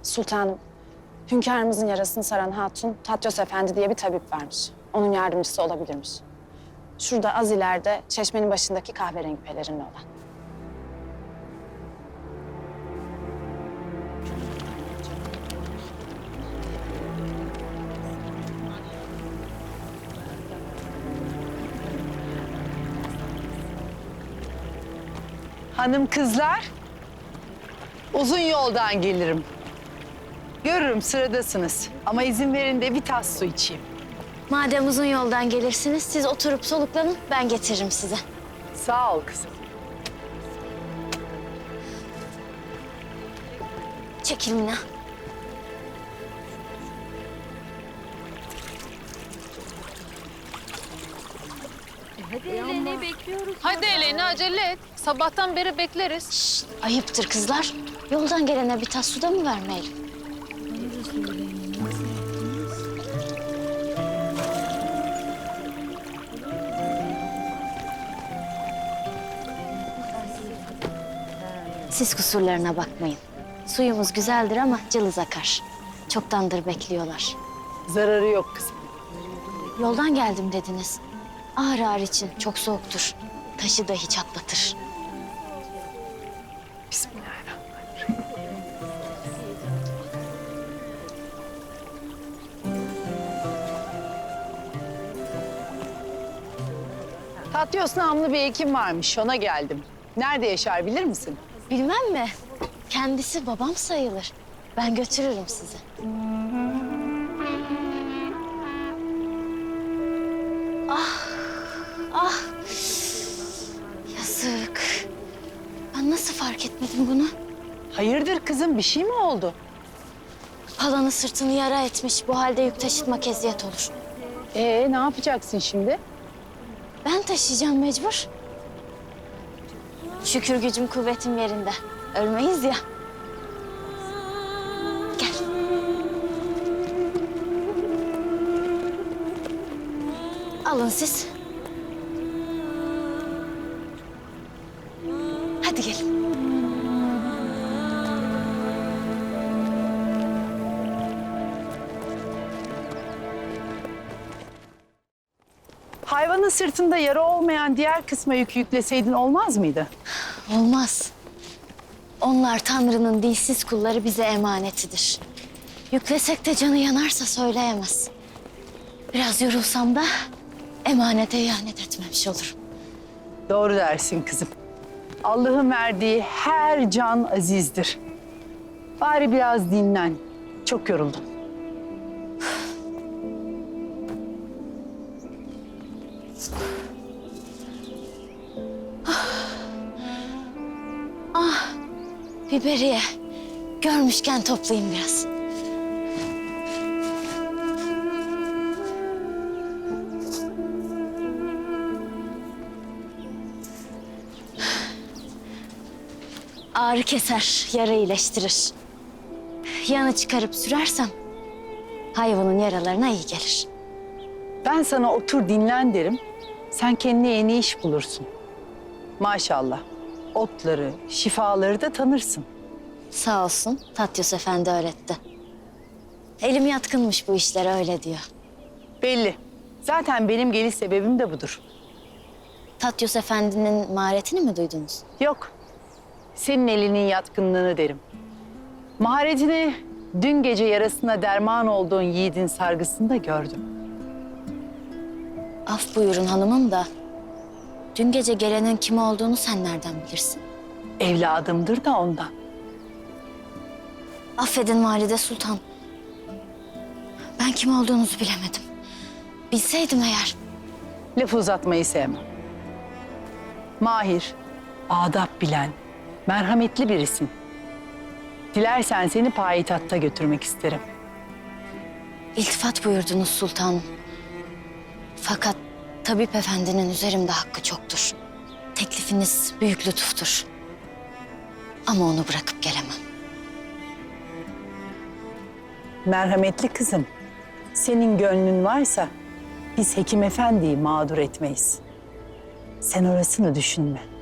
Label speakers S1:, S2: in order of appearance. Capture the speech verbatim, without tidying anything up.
S1: Sultanım, hünkârımızın yarasını saran hatun Tatyos Efendi diye bir tabip varmış. Onun yardımcısı olabilirmiş. Şurada az ileride çeşmenin başındaki kahverengi pelerinli olan.
S2: Hanım kızlar, uzun yoldan gelirim. Görürüm sıradasınız ama izin verin de bir tas su içeyim.
S3: Madem uzun yoldan gelirsiniz, siz oturup soluklanın, ben getiririm size.
S2: Sağ ol kızım.
S3: Çekil Mina.
S4: Hadi Eleni acele et. Sabahtan beri bekleriz.
S3: Şşt, ayıptır kızlar. Yoldan gelene bir tas su da mı vermeyelim? Siz kusurlarına bakmayın. Suyumuz güzeldir ama cılız akar. Çoktandır bekliyorlar.
S2: Zararı yok kızım.
S3: Yoldan geldim dediniz. Ağır ağır için çok soğuktur. Taşı dahi çatlatır.
S2: Bismillahirrahmanirrahim. Tatyos namlı bir hekim varmış, ona geldim. Nerede yaşar bilir misin?
S3: Bilmem mi? Kendisi babam sayılır. Ben götürürüm sizi. Ah, ah. Yazık. Ben nasıl fark etmedim bunu?
S2: Hayırdır kızım, bir şey mi oldu?
S3: Palanı sırtını yara etmiş. Bu halde yük taşıtmak eziyet olur.
S2: Ee, ne yapacaksın şimdi?
S3: Ben taşıyacağım mecbur. Şükür gücüm kuvvetim yerinde. Ölmeyiz ya. Gel. Alın siz. Hadi gelin.
S2: Hayvanın sırtında yara olmayan diğer kısma yük yükleseydin olmaz mıydı?
S3: Olmaz. Onlar Tanrı'nın dilsiz kulları bize emanetidir. Yüklesek de canı yanarsa söyleyemez. Biraz yorulsam da emanete ihanet etmemiş olurum.
S2: Doğru dersin kızım. Allah'ın verdiği her can azizdir. Bari biraz dinlen. Çok yoruldum.
S3: Biberiye. Görmüşken toplayayım biraz. Ağrı keser, yara iyileştirir. Yanı çıkarıp sürersem hayvanın yaralarına iyi gelir.
S2: Ben sana otur dinlen derim. Sen kendine yeni iş bulursun. Maşallah. Otları, şifaları da tanırsın.
S3: Sağ olsun Tatyos Efendi öğretti. Elim yatkınmış bu işlere öyle diyor.
S2: Belli. Zaten benim geliş sebebim de budur.
S3: Tatyos Efendi'nin maharetini mi duydunuz?
S2: Yok. Senin elinin yatkınlığını derim. Maharetini dün gece yarasına derman olduğun yiğidin sargısında gördüm.
S3: Af buyurun hanımım da dün gece gelenin kim olduğunu sen nereden bilirsin?
S2: Evladımdır da ondan.
S3: Affedin Valide Sultan. Ben kim olduğunuzu bilemedim. Bilseydim eğer.
S2: Laf uzatmayı sevmem. Mahir, adap bilen, merhametli birisin. Dilersen seni payitahta götürmek isterim.
S3: İltifat buyurdunuz sultanım. Fakat tabip efendinin üzerimde hakkı çoktur. Teklifiniz büyük lütuftur. Ama onu bırakıp gelemem.
S2: Merhametli kızım, senin gönlün varsa biz Hekim Efendi'yi mağdur etmeyiz. Sen orasını düşünme.